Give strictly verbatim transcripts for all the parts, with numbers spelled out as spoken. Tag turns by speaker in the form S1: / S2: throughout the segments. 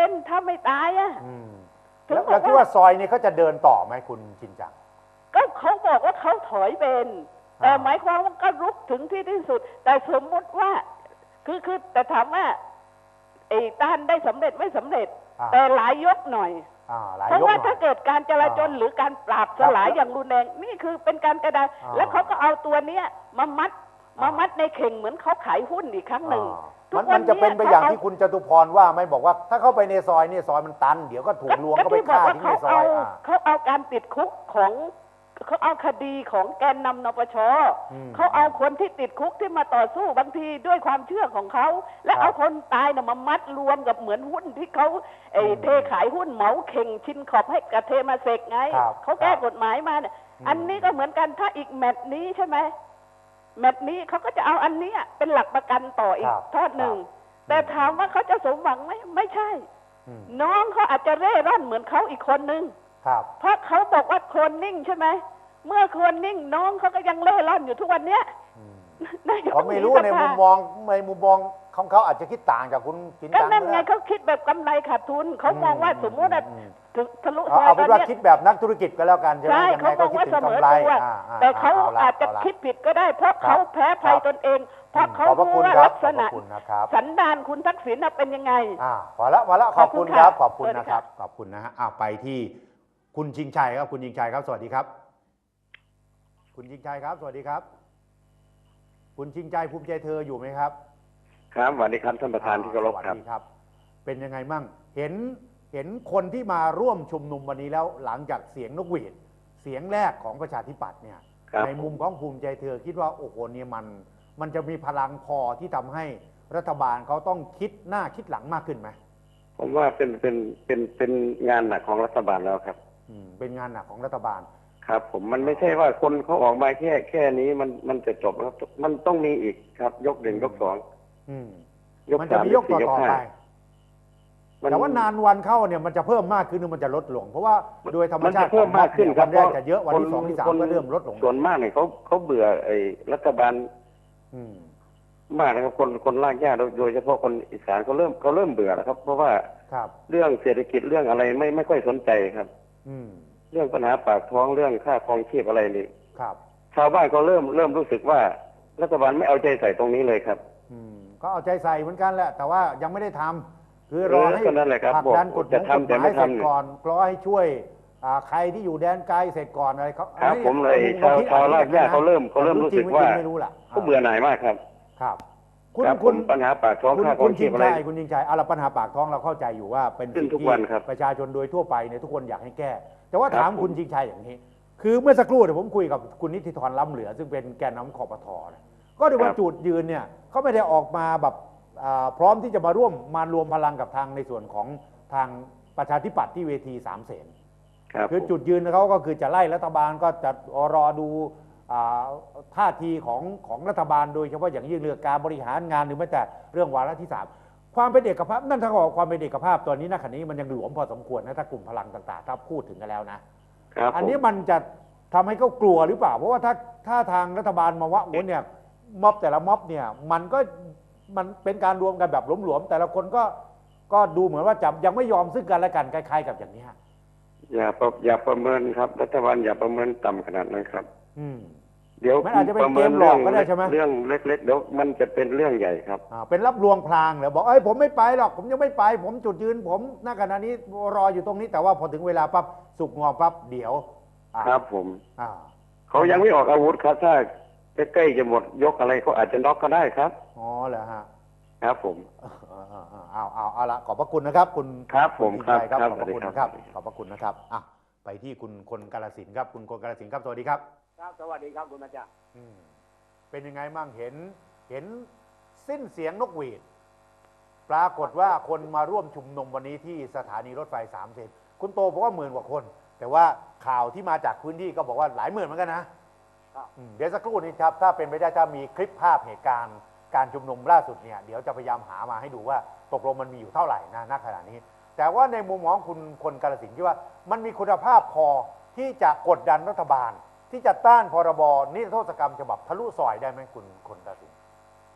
S1: เป็นถ้าไม่ตายอ่ะ
S2: แล้วแล้วคิดว่าซอยนี้เขาจะเดินต่อไหมคุณชินจัง
S1: ก็เขาบอกว่าเขาถอยเป็นแต่หมายความว่าก็รุกถึงที่ที่สุดแต่สมมุติว่าคือคือแต่ถามว่าไอ้ต้านได้สำเร็จไม่สำเร็จแต่หลายยกหน่อยเพราะว่าถ้าเกิดการจราจรหรือการปราบสลายอย่างรุนแรงนี่คือเป็นการกระดานแล้วเขาก็เอาตัวเนี้ยมามัดมามัดในเข่งเหมือนเขาขายหุ้นอีกครั้งหนึ่ง
S2: มันมันจะเป็นไปอย่างที่คุณจตุพรว่าไม่บอกว่าถ้าเข้าไปในซอยนี่ซอยมันตันเดี๋ยวก็ถูกลวงก็ไปฆ่าที่ในซอย
S1: เขาเอาการติดคุกของเขาเอาคดีของแกนนำนปชเขาเอาคนที่ติดคุกที่มาต่อสู้บางทีด้วยความเชื่อของเขาและเอาคนตายน่ะมามัดรวมกับเหมือนหุ้นที่เขาไอ้เทขายหุ้นเหมาเข่งชินขอบให้กับเทมาเซกไงเขาแก้กฎหมายมาเนี่ยอันนี้ก็เหมือนกันถ้าอีกแมตช์นี้ใช่ไหมแมตช์นี้เขาก็จะเอาอันนี้เป็นหลักประกันต่ออีกทอดหนึ่งแต่ถามว่าเขาจะสมหวังไหมไม่ใช่น้องเขาอาจจะเร่ร่อนเหมือนเขาอีกคนนึงเพราะเขาบอกว่าโคลนนิ่งใช่ไหมเมื่อโคลนนิ่งน้องเขาก็ยังเล่ร่อนอยู่ทุกวันเนี้ย
S2: เขาไม่รู้ในมุมมองในมุมมองของเขาอาจจะคิดต่างจากคุณจินจังก็
S1: นั่นไงเขาคิดแบบกำไรขาดทุนเขามองว่าสมมติทะลุซอย
S2: เอาเป็นว่าคิดแบบนักธุรกิจก็แล้วกันใช่ไหม
S1: ใช่เขาบอกว่าเสมอตัวแต่เขาอาจจะคิดผิดก็ได้เพราะเขาแพ้ภัยตนเองเพราะเขารู้ว่าลักษณะสันดานคุณทักษิณเป็นยังไง
S2: อ่าพอละพอละขอบคุณครับขอบคุณนะครับขอบคุณนะฮะอ่าไปที่คุณชิงชัยครับคุณชิงชัยครับสวัสดีครับคุณชิงชัยครับสวัสดีครับคุณชิงชัยภูมิใจเธออยู่ไหมครับ
S3: ครับสวัสดีครับท่านประธานที่เคารพครับ
S2: เป็นยังไงมั่งเห็นเห็นคนที่มาร่วมชุมนุมวันนี้แล้วหลังจากเสียงนกหวีดเสียงแรกของประชาธิปัตย์เนี่ยในมุมของภูมิใจเธอคิดว่าโอ้โหเนี่ยมันมันจะมีพลังพอที่ทำให้รัฐบาลเขาต้องคิดหน้าคิดหลังมากขึ้นไหม
S3: ผมว่าเป็นเป็นเป็นเป็นงานหนักของรัฐบาลแล้วครับ
S2: อืมเป็นงานหนักของรัฐบาล
S3: ครับผมมันไม่ใช่ว่าคนเขาออกมาแค่แค่นี้มันมันจะจบครับมันต้องมีอีกครับยกหนึ่งยกสอง
S2: มันจะมียกต่อต่อไปแต่ว่านานวันเข้าเนี่ยมันจะเพิ่มมากขึ้นหรือมันจะลดลงเพราะว่าโดยธรรมชาติ
S3: เพิ่มมากขึ้นครับ
S2: วันแรกจะเยอะวันที่สองที่สามก็เริ่มลดลง
S3: ส่วนมากเนี่ยเขาเขาเบื่อไอ้รัฐบาลมากนะครับคนคนลากย่าโดยเฉพาะคนอีสานเขาเริ่มเขาเริ่มเบื่อแล้วครับเพราะว่าเรื่องเศรษฐกิจเรื่องอะไรไม่ไม่ค่อยสนใจครับเรื่องปัญหาปากท้องเรื่องค่าครองชีพอะไรนี่ชาวบ้านก็เริ่มเริ่มรู้สึกว่ารัฐบาลไม่เอาใจใส่ตรงนี้เลยครับ
S2: ก็เอาใจใส่เหมือนกันแหละแต่ว่ายังไม่ได้ทำคือรอให้ผลักดันกฎหมายเสร็จก่อนรอให้ช่วยใครที่อยู่แดนไกลเสร็จก่อนอะไรเขา
S3: ครับผมเลยชาวชาวลากย่าเขาเริ่มเขาเริ่มรู้สึกว่าเขาเบื่อหน่ายมากครับ
S2: ครับ
S3: คุณคุณปัญหาปากท้องค่าครองชีพอะไร
S2: คุณยิงชัยเอาละปัญหาปากท้องเราเข้าใจอยู่ว่าเป็นสิ่งที่ประชาชนโดยทั่วไปเนี่ยทุกคนอยากให้แก้แต่ว่าถามคุณชิงชัยอย่างนี้คือเมื่อสักครู่เดี๋ยวผมคุยกับคุณนิติธรล้ำเหลือซึ่งเป็นแกนนำคปท.ก็ดูว่าจุดยืนเนี่ยเขาไม่ได้ออกมาแบบพร้อมที่จะมาร่วมมารวมพลังกับทางในส่วนของทางประชาธิปัตย์ที่เวทีสามเสนคือจุดยืนเขาก็คือจะไล่รัฐบาลก็จะรอดูท่าทีของของรัฐบาลโดยเฉพาะอย่างยิ่งเรื่องการบริหารงานหรือแม้แต่เรื่องวาระที่สามความเป็นเอกภาพนั่นถ้าบอกความเป็นเอกภาพตอนนี้ณขณะนี้มันยังหลวมพอสมควรนะถ้ากลุ่มพลังต่างๆถ้าพูดถึงกันแล้วนะอันนี้มันจะทำให้เขากลัวหรือเปล่าเพราะว่าถ้าถ้าทางรัฐบาลมาว่าโอ้เนี่ยม็อบแต่ละม็อบเนี่ยมันก็มันเป็นการรวมกันแบบหลวมๆแต่ละคนก็ก็ดูเหมือนว่าจับยังไม่ยอมซึ่งกันและกันคล้ายๆกับอย่างนี้
S3: อย่าอย่าประเมินครับรัฐบาลอย่าประเมินต่ำขนาดนั้นครับ
S2: อืม
S3: เดี๋ยว
S2: มันอาจจะเป็นเกมหลอกก็ได้ใช่ไหม
S3: เรื่องเล็กๆเดี๋ยวมันจะเป็นเรื่องใหญ่ครับ
S2: เป็นรับลวงพลางเหรอบอกเอ้ยผมไม่ไปหรอกผมยังไม่ไปผมจุดยืนผมณขณะนี้รออยู่ตรงนี้แต่ว่าพอถึงเวลาปั๊บสุกงอปั๊บเดี๋ยว
S3: ครับผมเขายังไม่ออกอาวุธครับถ้าใกล้ๆจะหมดยกอะไรเขาอาจจะน็อกก็ได้ครับ
S2: อ๋อเหรอฮะ
S3: ครับผม
S2: เอาเอาเอาละขอบพระคุณนะครับคุณ
S3: ครับผมครับ
S2: ขอบพระคุณนะครับขอบพระคุณนะครับอ่ะไปที่คุณคนกาฬสินธุ์ครับคุณคนกาฬสินธุ์ครับสวัสดีครับ
S4: ครับสวัสดีครับคุณอาจารย์
S2: เป็นยังไงมั่งเห็นเห็นสิ้นเสียงนกหวีดปรากฏว่าคนมาร่วมชุมนุมวันนี้ที่สถานีรถไฟสามเสนคุณโตบอกว่าหมื่นกว่าคนแต่ว่าข่าวที่มาจากพื้นที่ก็บอกว่าหลายหมื่นเหมือนกันนะเดี๋ยวสักครู่นี้ครับถ้าเป็นไปได้ถ้ามีคลิปภาพเหตุการณ์การชุมนุมล่าสุดเนี่ยเดี๋ยวจะพยายามหามาให้ดูว่าตกลงมันมีอยู่เท่าไหร่นะณขณะนี้แต่ว่าในมุมมองคุณคนกาฬสินธุ์ที่ว่ามันมีคุณภาพพอที่จะกดดันรัฐบาลที่จะต้านพรบนิรโทษกรรมฉบับทะลุซอยได้ไหมคุณคนกาฬสินธุ์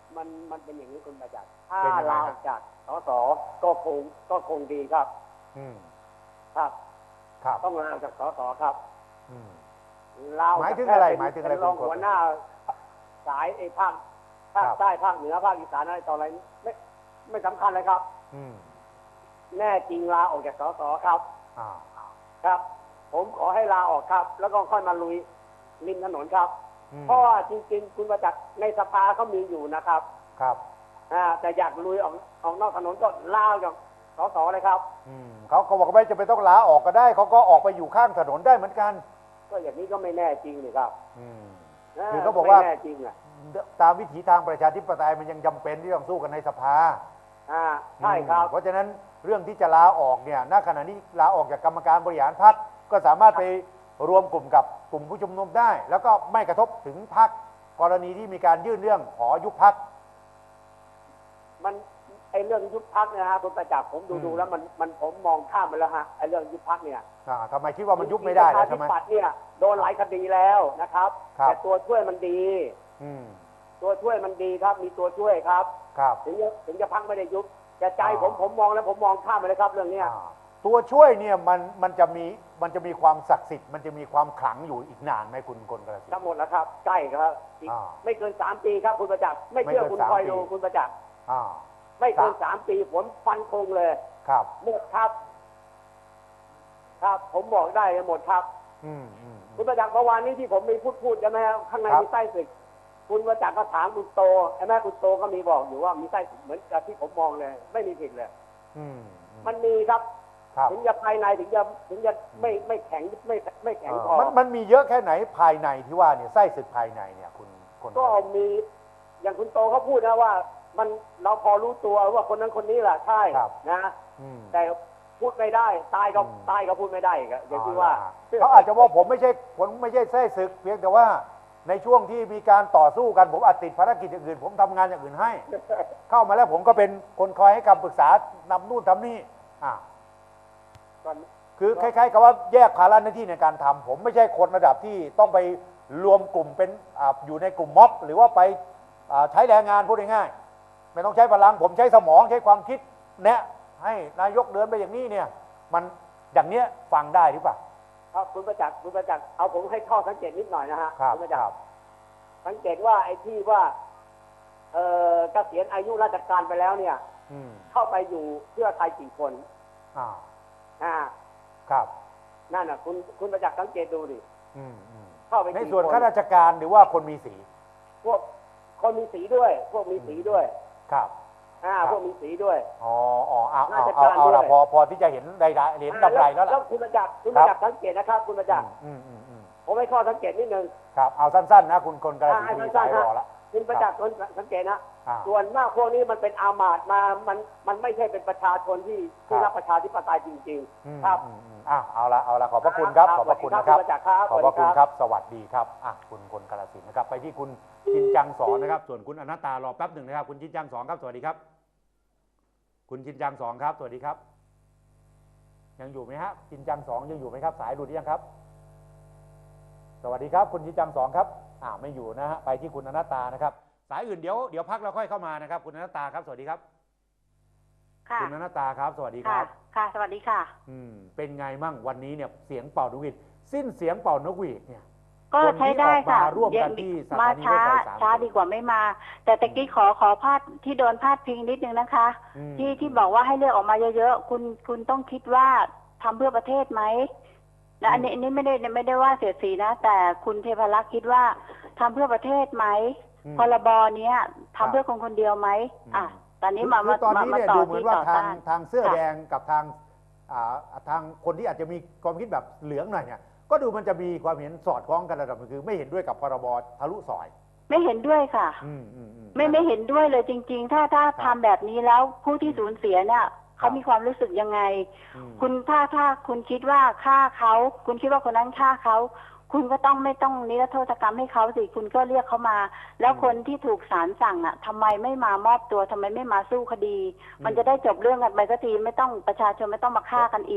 S4: มันมันเป็นอย่างนี้คุณประจักษ์ถ้า
S2: เป็นยังไง
S4: ลา
S2: ค
S4: อ
S2: รับ
S4: อกจากสสก็คงก็คงดีครับ
S2: อืม
S4: ครับ
S2: ครับ
S4: ต้องลาออกจากสสครับ
S2: อืม
S4: ลาออก
S2: หมาย
S4: จาก
S2: ถึงอะไร
S4: แค่เป็น
S2: หมายถึงอะไร
S4: เป็นรอง
S2: คุณ
S4: หัวหน้าสายไอ้ภาคภาค
S2: ครับ
S4: ใต้ภาคเหนือภาคอีสานอะไรต่ออะไรไม่ไม่สำคัญเลยครับ
S2: อืม
S4: แน่จริงลาออกจากสสครับ
S2: อ่า
S4: ครับ ผมขอให้ลาออกครับ แล้วก็ค่อยมาลุยริมถนนครับ
S2: อืม
S4: เพราะว่าจริงๆ คุณประจักษ์ในสภาเขามีอยู่นะครับ
S2: ครับ
S4: อ่าแต่อยากลุยออกออกนอกถนนก็ลาออกจากสสเลยครับ
S2: อืมเขาเขาบอกว่าไม่จะไปนต้องลาออกก็ได้เขาก็ออกไปอยู่ข้างถนนได้เหมือนกัน
S4: ก็อย่างนี้ก็ไม่แน่จริงนี่ครับ
S2: อืม
S4: า
S2: คือเขาบอกว่า
S4: ไม่แน่จริงอ่ะ
S2: ตามวิถีทางประชาธิปไตยมันยังจำเป็นที่ต้องสู้กันในสภา
S4: อ่าใช่ครับ
S2: เพราะฉะนั้นเรื่องที่จะลาออกเนี่ยณขณะนี้ลาออกจากกรรมการบริหารพรรคก็สามารถไปรวมกลุ่มกับกลุ่มผู้ชุมนุมได้ แล้วก็ไม่กระทบถึงพรรคกรณีที่มีการยื่นเรื่องขอยุบพรรค
S4: มันไอเรื่องยุบพักเนี่ยฮะคุณประจักษ์ผมดู
S2: อืม
S4: ดูแล้วมันมันผมมองข้ามไปแล้วฮะไอเรื่องยุบพักเนี่ย
S2: อ่าทำไมคิดว่ามันยุบไม่ได้แล้ว
S4: ป
S2: ใช่ไหม
S4: ระชาธิปัตย์เนี่ยโดนหลายคดีแล้วนะครับ
S2: ครับ
S4: แต่ตัวช่วยมันดี
S2: อืม
S4: ตัวช่วยมันดีครับ มีตัวช่วยครับ
S2: ครับ
S4: ถึงจะถึงจะพักไม่ได้ยุบแต่ใจ
S2: อ่า
S4: ผมผมมองแล้วผมมองข้ามไปเลยครับเรื่องเนี้ย
S2: อ่าตัวช่วยเนี่ยมันมันจะมีมันจะมีความศักดิ์สิทธิ์มันจะมีความขลังอยู่อีกนานไหมคุณกลกระสิน
S4: ทั้งหมดแล้วครับใกล้ครับอีก
S2: อ่า
S4: ไม่เกินสามปีครับคุณประจักษ์ไม่เชื่อ
S2: ไม่เกิน
S4: คุณ
S2: สาม
S4: คอย
S2: ปี
S4: ดูคุณประจักษ์
S2: อ่า
S4: ไม่เกิน
S2: สาม
S4: สามปีผมฟันคงเลย
S2: ครับ
S4: หมดครับ ครับ ผมบอกได้เลยหมดครับ
S2: อืมอืม
S4: คุณประจักษ์เมื่อวานนี้ที่ผมมีพูดพูดใช่ไหมครับข้างใน
S2: ครับ
S4: มีไส้ศึกคุณประจักษ์ก็ถามคุณโตไอ้แม่คุณโตก็มีบอกอยู่ว่ามีไส้ศึกเหมือนกับที่ผมมองเลย ไม่มีผิดเลย
S2: อืมอืม
S4: มันมีครับ
S2: ครับ
S4: ถึงจะภายในถึงจะถึงจะไม่ไม่แข็งไม่ไม่แข็งพอ
S2: มันมันมีเยอะแค่ไหนภายในที่ว่าเนี่ยไส้ศึกภายในเนี่ยคุณคน
S4: ก็มีอย่างคุณโตเขาพูดนะว่า มันเราพอรู้ตัวว่าคนนั้นคนนี้แหละใช่นะ
S2: อืม
S4: แต่พูดไม่ได้ตายก็
S2: อืม
S4: ตายก็พูดไม่ได้อีกอะอย่างที่ว่า
S2: เขาอาจจะว่าผมไม่ใช่ผมไม่ใช่ไส้ศึก เพียงแต่ว่าในช่วงที่มีการต่อสู้กันผมอาจติดภารกิจอย่างอื่น ผมทำงานอย่างอื่นให้ เข้ามาแล้วผมก็เป็นคนคอยให้คำปรึกษานำนู่นทำนี่อ่า คือคล้ายๆกับว่าแยกภาระหน้าที่ในการทำผมไม่ใช่คนระดับที่ต้องไปรวมกลุ่มเป็นอาอยู่ในกลุ่มม็อบ หรือว่าไปอ่าใช้แรงงานพูดง่ายๆไม่ต้องใช้พลังผมใช้สมองใช้ความคิดแนะให้นายกเดินไปอย่างนี้เนี่ยมันอย่างเนี้ยฟังได้หรือเปล่า
S4: ครับคุณประจักษ์คุณประจักษ์เอาผมให้ข้อสังเกตนิดหน่อยนะฮะ
S2: ครับ
S4: ณประ
S2: ค
S4: จัก
S2: รั
S4: ษ์
S2: บ
S4: สังเกตว่าไอ้ที่ว่าเอ่อเกษียณอายุราชการไปแล้วเนี่ย
S2: อืม
S4: เข้าไปอยู่เพื่อไทยกี่คน
S2: อ่า
S4: อ่า
S2: ครับ
S4: นั่นน่ะ คุณคุณประจักษ์สังเกตดูดิ
S2: อืมอืม
S4: เข้าไป
S2: ใน
S4: กี่
S2: ส่วน
S4: คน
S2: ข้าราชการหรือว่าคนมีสี
S4: พวกคนมีสีด้วย พวกมีสีด้วย
S2: ครับ
S4: อ่า
S2: ครับ
S4: พวกมีสีด้วย
S2: อ๋ออ๋อเอาเอา
S4: ราช
S2: เอา
S4: การ
S2: เอาละ
S4: ด้วย
S2: พอพอที่จะเห็นใดๆเห็นดำไรแล้วล่ะ
S4: แล้วคุณประจักษ์คุณ
S2: ค
S4: ป
S2: รับ
S4: ระจักษ์สังเกตนะครับ คุณประจักษ์
S2: อืมอืมอืม
S4: ผมให้ข้อสังเกตนิดนึง
S2: ครับเอาสั้นๆนะคุณคนกระ
S4: อ่า
S2: สี
S4: ให้
S2: มี
S4: สั้
S2: สาน ย
S4: ๆ
S2: ร
S4: ฮะ
S2: อละ
S4: คุณประจักษ์คุณสังเกตนะ
S2: อ่า
S4: ส่วนมากพวกนี้มันเป็นอามาตย์มา มันมันไม่ใช่เป็นประชาชนที่ที่
S2: ครับ
S4: รักประชาธิปไตยจริง
S2: อืม
S4: ๆ ครับ
S2: อืมอืมอ่ะเอาละเอาละขอบพระคุณครับ
S4: ครับ
S2: ขอบพระคุณ
S4: สวั
S2: นะ
S4: ส
S2: ค
S4: ดี
S2: รับ
S4: ครับ
S2: ขอบพระคุณ
S4: สวัสดี
S2: ค
S4: ครั
S2: รับ บ สวัสดีครับอ่ะคุณคนกาฬสินธุ์นะครับ ไปที่คุณจินจังสอนนะครับ ส่วนคุณอนัตตารอแป๊บหนึ่งนะครับ คุณจินจังสอนครับ สวัสดีครับ คุณจินจังสอนครับ สวัสดีครับ ยังอยู่ไหมฮะจินจังสองยังอยู่ไหมครับ สายหลุดหรือยังครับ สวัสดีครับ คุณจินจังสองครับอ่าไม่อยู่นะฮะไปที่คุณอนัตตานะครับ สายอื่นเดี๋ยวเดี๋ยวพักเราค่อยเข้ามานะครับ คุณอนัตตาครับ สวัสดีครับ
S5: ค่ะ
S2: คุณอนัตตาครับ สวัสดีค
S5: ค่ะ
S2: รับ
S5: ค่ะ สวัสดีค่ะ
S2: อืมเป็นไงมั่งวันนี้เนี่ยเสียงเป่านกหวีดสิ้นเสียงเป่านกหวีดเนี่ย
S5: ก็ใช้ได้ค่ะ
S2: คนที่ออกมาร่วมกันที่สถานี
S5: มาช้าร
S2: ถไฟสาม
S5: ช้าดีกว่าไม่มา แต่ตะกี้ขอขอพาดที่โดนพาดพิงนิดนึงนะคะ
S2: อืม
S5: ที่ที่บอกว่าให้เลือกออกมาเยอะๆ คุณคุณต้องคิดว่าทำเพื่อประเทศไหมและอันนี้อันนี้ไม่ได้ไม่ได้ว่าเสียดสีนะ แต่คุณเทพรักษ์คิดว่าทำเพื่อประเทศไหม
S2: อืม
S5: พรบเนี้ยทำเพื่อคนคนเดียวไหม
S2: อืม
S5: อ่ะตอนนี้มา
S2: คือ
S5: มา
S2: ตอน
S5: มา
S2: นี้
S5: มา
S2: เนี่ย
S5: ต่อ
S2: ดูเหมือน
S5: ที่
S2: ว่า
S5: ต่อ
S2: ทาง
S5: ต้าน
S2: ทางเสื้อ
S5: ค่ะ
S2: แดงกับทางอ่าทางคนที่อาจจะมีความคิดแบบเหลืองหน่อยเนี่ยก็ดูมันจะมีความเห็นสอดคล้องกันระดับหนึ่งคือไม่เห็นด้วยกับพรบทะลุซอย
S5: ไม่เห็นด้วยค่ะ
S2: อืมอืมอืม
S5: ไม่ไม่เห็นด้วยเลยจริง ๆ ถ้าถ้า
S2: ครับ
S5: ทำแบบนี้แล้วผู้ที่สูญเสียเนี่ย
S2: ครั
S5: เขา
S2: บ
S5: มีความรู้สึกยังไง
S2: อืม
S5: คุณถ้าถ้าคุณคิดว่าฆ่าเขาคุณคิดว่าคนนั้นฆ่าเขาคุณก็ต้องไม่ต้องนิรโทษกรรมให้เขาสิคุณก็เรียกเขามา แล้วคนที่ถูกศาลสั่งอ่ะทำไมไม่มามอบตัวทำไมไม่มาสู้คดี มันจะได้จบเรื่องกันไปสักทีไม่ต้องประชาชนไม่ต้องมาฆ่ากันอีก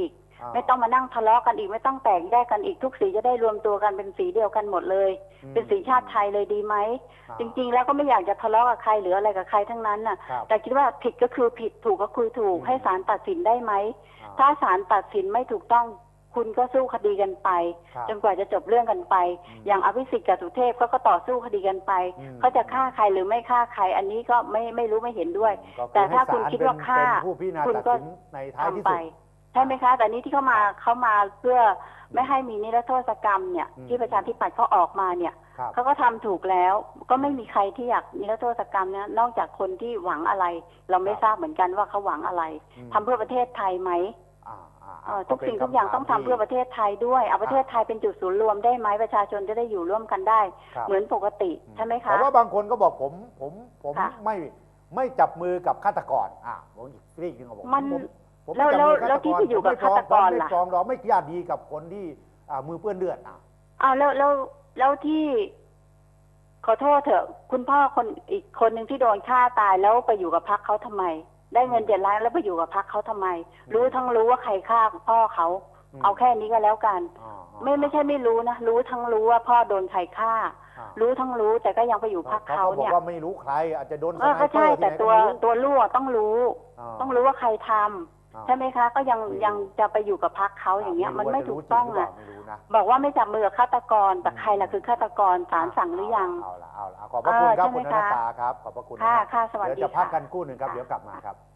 S2: อ่า
S5: ไม่ต้องมานั่งทะเลาะกันอีกไม่ต้องแตกแยกกันอีกทุกสีจะได้รวมตัวกันเป็นสีเดียวกันหมดเลย
S2: อืม
S5: เป็นสีชาติไทยเลยดีไหม
S2: อ่า
S5: จริงๆแล้วก็ไม่อยากจะทะเลาะกับใครหรืออะไรกับใครทั้งนั้นน่ะ
S2: ครับ
S5: แต่คิดว่าผิดก็คือผิดถูกก็คือถูก
S2: อืม
S5: ให้ศาลตัดสินได้ไหม
S2: อ่า
S5: ถ้าศาลตัดสินไม่ถูกต้องคุณก็สู้คดีกันไป
S2: ครับ
S5: จนกว่าจะจบเรื่องกันไป
S2: อืม
S5: อย่างอภิสิทธิ์กับสุเทพเขาก็ต่อสู้คดีกันไป
S2: อืม
S5: เขาจะฆ่าใครหรือไม่ฆ่าใคร อันนี้ก็ไม่ไม่รู้ไม่เห็นด้วย
S2: ก็คือ
S5: แต่ถ้า
S2: ให้
S5: คุณ
S2: ศล
S5: คิดว่า
S2: เป็น
S5: ฆ่า
S2: เป็นผู้พิจารณา
S5: คุณ
S2: ตัด
S5: ก็
S2: สินในท้ายที่
S5: ทำไป
S2: สุด
S5: ใช่ไหมคะ แต่นี้ที่เขามาเขามาเพื่อไม่ให้มีนิรโทษกรรมเนี่ย
S2: อืม
S5: ที่ประชาธิปัตย์เขาออกมาเนี่ย
S2: ครับ
S5: เขาก็ทำถูกแล้ว ก็ไม่มีใครที่อยากนิรโทษกรรมเนี่ยนอกจากคนที่หวังอะไร เราไม่
S2: ครับ
S5: ทราบเหมือนกันว่าเขาหวังอะไร
S2: อืม
S5: ทำเพื่อประเทศไทยไหม
S2: อ่าอ่า
S5: เอ่อ
S2: ก็
S5: ทุก
S2: เป็น
S5: สิ่งทุกอย่าง
S2: คำถม
S5: ต้องทำเพื่อ
S2: ที่
S5: ประเทศไทยด้วยเอาประเทศไทยเป็นจุดศูนย์รวมได้ไหมประชาชนจะได้อยู่ร่วมกันได้
S2: ครับ
S5: เหมือนปกติใช่ไหมคะ
S2: แต่ว่าบางคนก็บอกผมผมผม
S5: ค่ะ
S2: ไม่ไม่จับมือกับฆาตกรอ่ะผมอีกเรื่องหนึงก็บอก
S5: มัน
S2: ผมผม
S5: แล้ว
S2: ไม่จับมือ
S5: แล้ว
S2: ฆาต
S5: ที่ไปอยู่กับ
S2: ผมไม่
S5: ฆาตกร
S2: ผมไม่
S5: ล่ะ
S2: ปรองดองไม่ญาติดีกับคนที่อ่ามือเปื้อนเลือดอ่ะ
S5: อ้าวแล้วแล้วแล้วที่ขอโทษเถอะ คุณพ่อคนอีกคนหนึ่งที่โดนฆ่าตายแล้วไปอยู่กับพรรคเขาทำไม ได้เงินเจ็ดล้านแล้วไปอยู่กับพรรคเขาทำไม รู้ทั้งรู้ว่าใครฆ่าพ่อเขา
S2: อืม
S5: เอาแค่นี้ก็แล้วกัน
S2: อ่าอ่า
S5: ไม่ไม่ใช่ไม่รู้นะรู้ทั้งรู้ว่าพ่อโดนใครฆ่า
S2: อ่า
S5: รู้ทั้งรู้แต่ก็ยังไปอยู่พรรค
S2: เขา
S5: เขา
S2: ก็บอก
S5: เนี่ย
S2: ว่าไม่รู้ใคร อาจจะโดนส
S5: เออ
S2: ไน
S5: ก็
S2: เปอ
S5: ใช่
S2: ร์ที่
S5: แต่
S2: ไหนก็
S5: ตัว
S2: ไม่รู้
S5: ตัวลูกอะต้องรู้
S2: า
S5: ต้องรู้ว่าใครทำ
S2: อ่า
S5: ใช่ไหมคะ ก็ยัง
S2: ไม่รู้
S5: ยังจะไปอยู่กับพรรคเขาอย่างเงี้ย มันไม่ถูกต้อง
S2: อ่ะ
S5: อ่ะ
S2: ไม่รู้จริงหรือเปล่าไม่รู้นะ
S5: บอกว่าไม่จับมือกับฆาตกรแต่ใครล่ะคือฆาตกรศาลสั่งหรือยัง
S2: เอาละเอาละเอาละขอบพระคุณครับ
S5: เออ
S2: คุณ
S5: ใช่
S2: อ
S5: ไหม
S2: นั
S5: คะ
S2: ตตาครับขอบพระคุณ
S5: ค่ะ
S2: นะ
S5: ค่ะสวัสดี
S2: เดี๋ยวจะพัก
S5: ค่ะ
S2: กันกู้หนึ่งครับ
S5: ค่ะ
S2: เดี๋ยวกลับมาครับ